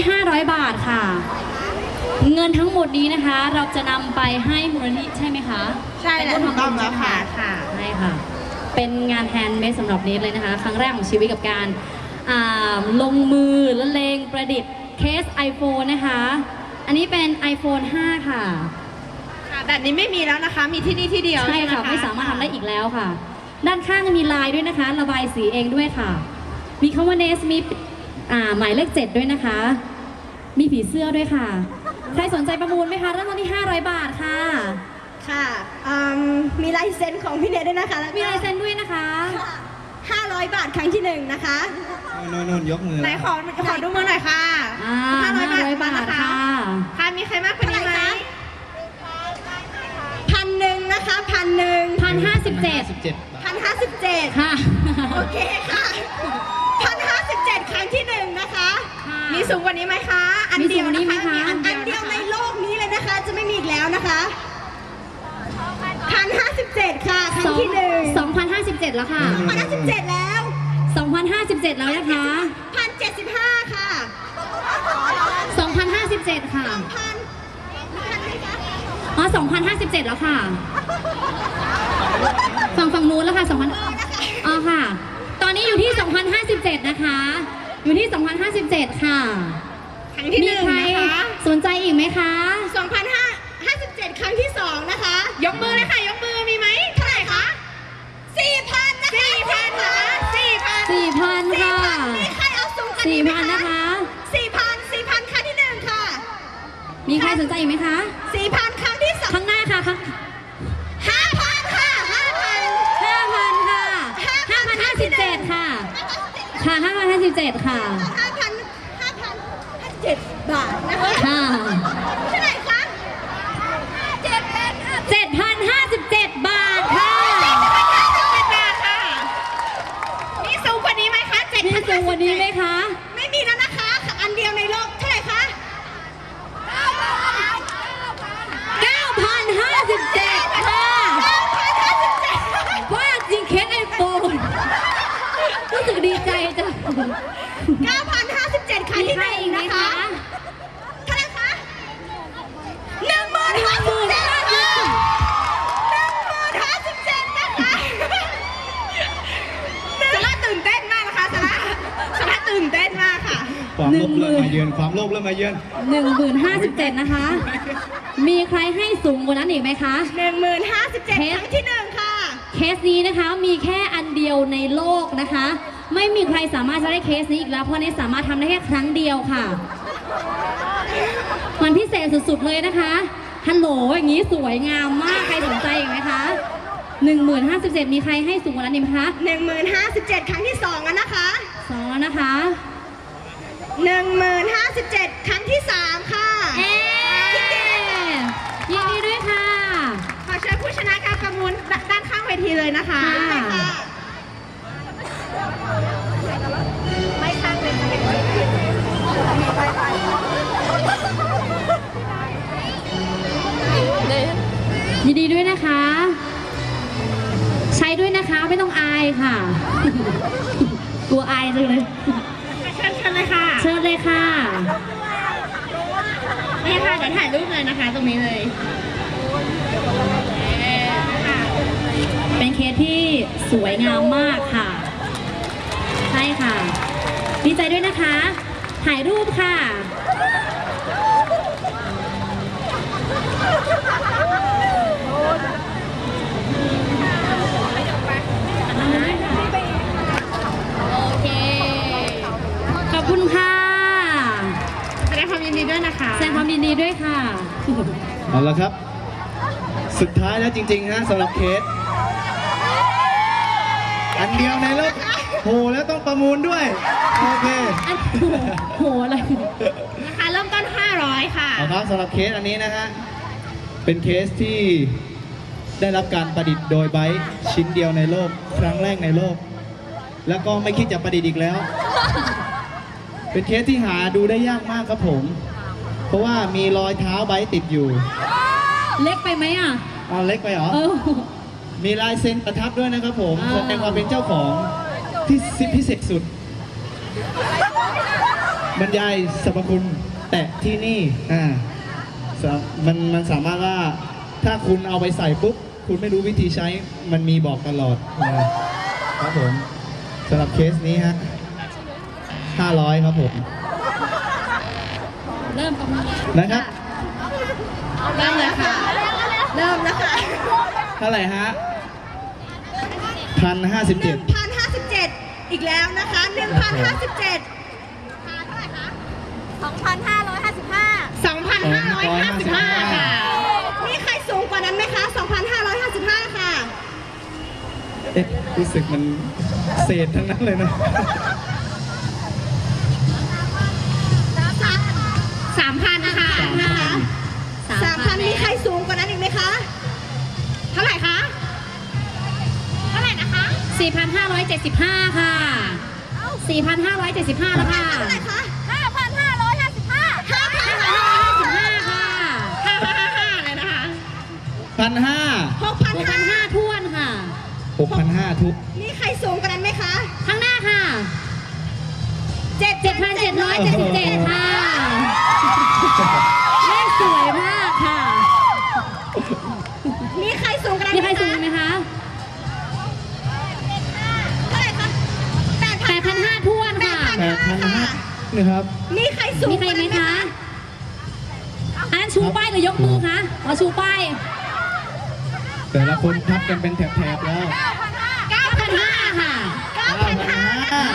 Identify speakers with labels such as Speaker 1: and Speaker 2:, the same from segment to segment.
Speaker 1: 500 บาทค่ะ เงินทั้งหมดนี้นะคะ เราจะนำไปให้มูลนิธิใช่ไหมคะ
Speaker 2: ใช่แล้วถูกต้องแล้วค่ะ
Speaker 1: ใช่ค่ะเป็นงานแฮนด์เมดสำหรับเนทเลยนะคะครั้งแรกของชีวิตกับการลงมือละเลงประดิษฐ์เคส iPhone นะคะอันนี้เป็น iPhone 5 ค่ะ
Speaker 2: แบบนี้ไม่มีแล้วนะคะมีที่นี่ที่เดียว
Speaker 1: ใช่ค่ะไม่สามารถทำได้อีกแล้วค่ะด้านข้างมีลายด้วยนะคะระบายสีเองด้วยค่ะมีคำว่าเนสมีหมายเลข 7ด้วยนะคะมีผีเสื้อด้วยค่ะใครสนใจประมูลไหมคะเริ่มต้นที่500 บาทค่ะ
Speaker 2: ค่ะมีลายเซ็นของพี่เนทด้วยนะคะ
Speaker 1: มีลายเซ็นด้วยนะคะ
Speaker 2: 500 บาทครั้งที่1นะคะ
Speaker 3: นู่นยกมือ
Speaker 2: ไหนขอดูมือหน่อยค่ะ
Speaker 1: 500 บาทค่ะ
Speaker 2: ค่ะมีใครมากกว่านี้ไหม1,000นะคะ1,057
Speaker 1: ค่ะ
Speaker 2: โอเคค่ะ1,057ครั้งที่1นะคะมีสูงกว่านี้ไหมคะอันเดียวนะคะอันเดียวในโลกนี้เลยนะคะจะไม่มีอีกแล้วนะคะ1,057ค่ะครั้งที่
Speaker 1: 2,057แล้วค่ะ
Speaker 2: 2,057แล้ว
Speaker 1: 2,057แล้วนะคะ
Speaker 2: 1,075ค่ะ
Speaker 1: 2,057ค่ะ2,057แล้วค่ะฝั่งนู้นแล้วค่ะ2,000อ๋อค่ะตอนนี้อยู่ที่2,057นะคะอยู่ที่2,057ค่ะ
Speaker 2: ครั้งที่1นะคะ
Speaker 1: สนใจอีกไหมคะ
Speaker 2: 2,057ครั้งที่2นะคะยกมือเลยค่ะยกมือมีไหมเท่าไหร่คะ 4,000 นะคะ 4,000 ค่ะ
Speaker 1: 4,000 ค่ะ
Speaker 2: มีใครเอาสูงกัน
Speaker 1: 4,000 นะคะ
Speaker 2: 4,000 ครั้งที่1ค่ะ
Speaker 1: มีใครสนใจอีกไหมคะ
Speaker 2: 4,000 ครั้งที่2
Speaker 1: ข้างหน้าค่ะ5,000
Speaker 2: ค่ะ
Speaker 1: 5,000 ค่ะ5,057 ค่ะค่ะ5,057 ค่ะ
Speaker 2: 5,057 บาทนะคะ
Speaker 1: ค่ะ
Speaker 2: เท่าไหร่คะ
Speaker 1: 7,057 บาทค่ะ
Speaker 2: มีสูงกว่านี้ไหมคะ
Speaker 1: มีสูงกว่านี้ไหมคะ
Speaker 2: ไม่มีแล้วนะคะอันเดียวในโลกเท่าไหร่คะ
Speaker 1: 9,057 ค่ะว่าจริงเคส iPhone รู้สึกดีใจจัง
Speaker 2: 9,057 ครั้งที่1นะคะเท่าไหร่คะ10,057 นะคะสาระตื่นเต้นมากนะคะสาระตื่นเต้นมากค่ะ
Speaker 3: ความโลภเริ่มมาเยือน
Speaker 1: 10,057 นะคะ มีใครให้สูงกว่านั้นอีกไหมคะ
Speaker 2: 10,057 ครั้งที่1ค่ะ
Speaker 1: เคสนี้นะคะมีแค่อันเดียวในโลกนะคะไม่มีใครสามารถจะได้เคสนี้อีกแล้วเพราะนี่สามารถทำได้แค่ครั้งเดียวค่ะมันพิเศษสุดๆเลยนะคะฮัลโหลอย่างนี้สวยงามมากใครสนใจอีกไหมคะ10,057มีใครให้สูงกว่านั้นอีกไหมคะ
Speaker 2: 10,057 ครั้งที่2แล้วนะคะ
Speaker 1: 2แล้วนะคะ
Speaker 2: 10,057 ครั้งที่3ค่ะ
Speaker 1: ยินดีด้วยค่ะ
Speaker 2: ขอเชิญผู้ชนะการประมูลด้านข้างเวทีเลยนะคะไม่ข้างเลย
Speaker 1: ยินดีด้วยนะคะใช้ด้วยนะคะไม่ต้องอายค่ะกลัวอายจังเลย
Speaker 2: เชิญเลยค่ะ
Speaker 1: เชิญเลยค่ะ
Speaker 2: นี่ค่ะเดี๋ยวถ่ายรูปเลยนะคะตรงนี้เลย
Speaker 1: เป็นเคสที่สวยงามมากค่ะใช่ค่ะดีใจด้วยนะคะถ่ายรูปค่ะโอเคขอบคุณค่ะ
Speaker 2: แสดงความยินดีด้วยนะคะ
Speaker 1: แสดงความยินดีด้วยค่ะ
Speaker 3: เอาละครับสุดท้ายแล้วจริงๆนะสำหรับเคสอันเดียวในโลกโหแล้วต้องประมูลด้วยโอเค
Speaker 1: โหอะไร
Speaker 2: ราคาเริ่มต้น500ค่ะ
Speaker 3: เอาครับสำหรับเคสอันนี้นะฮะเป็นเคสที่ได้รับการประดิษฐ์โดยไบค์ชิ้นเดียวในโลกครั้งแรกในโลกแล้วก็ไม่คิดจะประดิษฐ์อีกแล้วเป็นเคสที่หาดูได้ยากมากครับผมเพราะว่ามีรอยเท้าไบค์ติดอยู่
Speaker 1: เล็กไปไหมอ่ะ
Speaker 3: เล็กไปเหรอมีลายเซ็นประทับด้วยนะครับผมแสดงความเป็นเจ้าของที่พิเศษสุดบรรยายสรรพคุณแตะที่นี่มันสามารถว่าถ้าคุณเอาไปใส่ปุ๊บคุณไม่รู้วิธีใช้มันมีบอกตลอดนะครับผมสำหรับเคสนี้ฮะ500ครับผม
Speaker 1: เริ่มกับมือ
Speaker 3: นะครับ
Speaker 2: เริ่มเลยค่ะ เริ่มแล้วค่ะ
Speaker 3: เท่าไหร่ฮะ1,057
Speaker 2: 1,057 อีกแล้วนะคะ 1,057 2,555 ค่ะ มีใครสูงกว่านั้นไหมคะ 2,555 ค่ะ
Speaker 3: เอ๊ะรู้สึกมันเศษทั้งนั้นเลยนะ
Speaker 2: 3,000 ค่ะ 3,000 มีใครสูงกว่านั้นอีกไหมคะ เท่าไหร่คะ เท่าไหร่นะคะ
Speaker 1: 4,575 ค่ะ 4,575 แล้วค่ะ
Speaker 2: เท่าไหร่คะ
Speaker 1: 5,555 ค่ะ
Speaker 2: 555เลยนะคะ
Speaker 3: 1,500
Speaker 2: 6,500
Speaker 1: ท้วนค่ะ
Speaker 3: 6,500 ทุก
Speaker 2: มีใครสูงกว่านั้นไหมคะ
Speaker 1: ข้างหน้าค่ะ 7,777 ค่ะ เลขสวยมากค่ะ
Speaker 2: มีใครสูงกว่านั้น
Speaker 1: มีใครสูงไหมคะ
Speaker 2: เท่าไหร่คะ
Speaker 1: 8,500 ท้วนค่ะ
Speaker 3: 8,500นะครับ
Speaker 2: มีใครสูง
Speaker 1: มีใครไหมคะ อันนั้นชูป้ายหรือยกมือคะอ๋อชูป้าย
Speaker 3: แต่ละคนพับกันเป็นแถบๆแล้ว
Speaker 1: 9,500 ค่ะ
Speaker 2: 9,500
Speaker 1: อ่า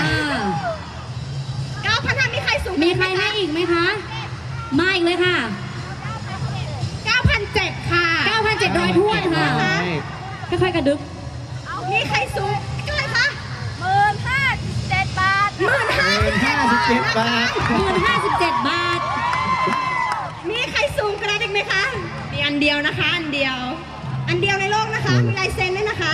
Speaker 2: 9,500 มีใครสูง
Speaker 1: มีใครให้อีกไหมคะ มาอีกเลยค่ะ
Speaker 2: 9,700 ค่ะ
Speaker 1: 9,700 ท้วนค่ะ ค่อยๆกระดึบ
Speaker 2: มีใครสูงเท่าไหร่คะ
Speaker 1: 15,057 บาท
Speaker 3: 57 บาท
Speaker 1: 57 บาท
Speaker 2: มีใครสูงกว่านั้นอีกไหมคะ มีอันเดียวนะคะ อันเดียว อันเดียวในโลกนะคะ มีลายเซ็นด้วยนะคะ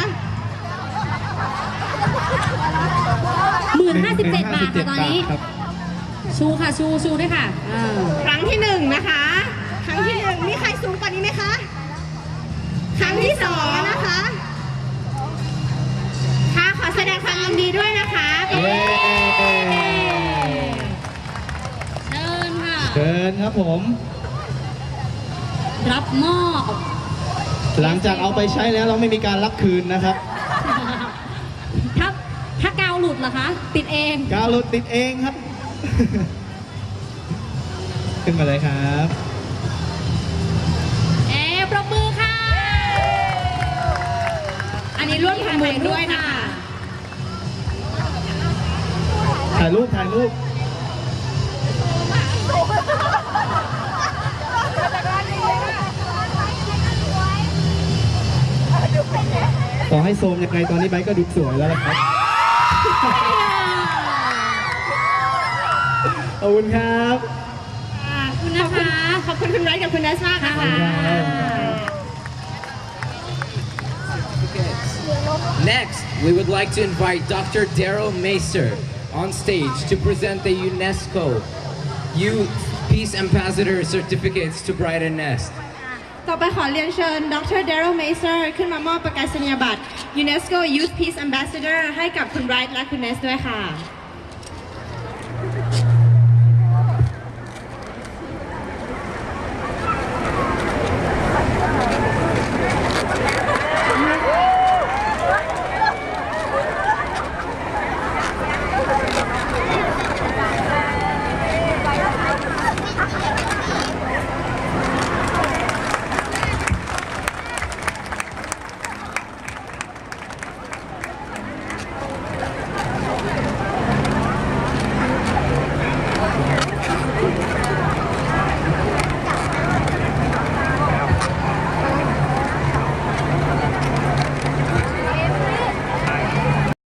Speaker 1: 57 บาทค่ะตอนนี้
Speaker 3: ครับ
Speaker 1: ชูค่ะ ชูด้วยค่ะอ่า
Speaker 2: ครั้งที่ 1 นะคะ ครั้งที่ 1 มีใครสูงกว่านี้ไหมคะ ครั้งที่ 2 นะคะ ค่ะ ขอแสดงความยินดีด้วยนะคะ
Speaker 3: เย้
Speaker 1: เชิญค่ะ
Speaker 3: เชิญครับผม
Speaker 1: รับมอบ
Speaker 3: หลังจากเอาไปใช้แล้วเราไม่มีการรับคืนนะครับ
Speaker 1: ถ้ากาวหลุดเหรอคะ ติดเอง
Speaker 3: กาวหลุดติดเองครับ ขึ้นมาเลยครับ
Speaker 1: ปรบมือค่ะ
Speaker 2: อันนี้ร่วมทำบุญด้วยนะคะ
Speaker 3: ถ่ายรูป ถ่ายรูป ต่อให้โซมยังไงตอนนี้ไบค์ก็ดูสวยแล้วล่ะครับ ขอบคุณครับ
Speaker 1: ขอบคุณนะคะ
Speaker 2: ขอบคุณคุณไร้กับคุณนัชชาค่ะ
Speaker 4: Next, we would like to invite Dr. Daryl Macer on stage to present the UNESCO Youth Peace Ambassador Certificates to Brighton Nest.
Speaker 2: ต่อไปขอเรียนเชิญดรเดริลเมเซอร์ขึ้นมามอบประกาศนียบัตร UNESCO Youth Peace Ambassador ให้กับคุณไบรท์และคุณเนสด้วยค่ะ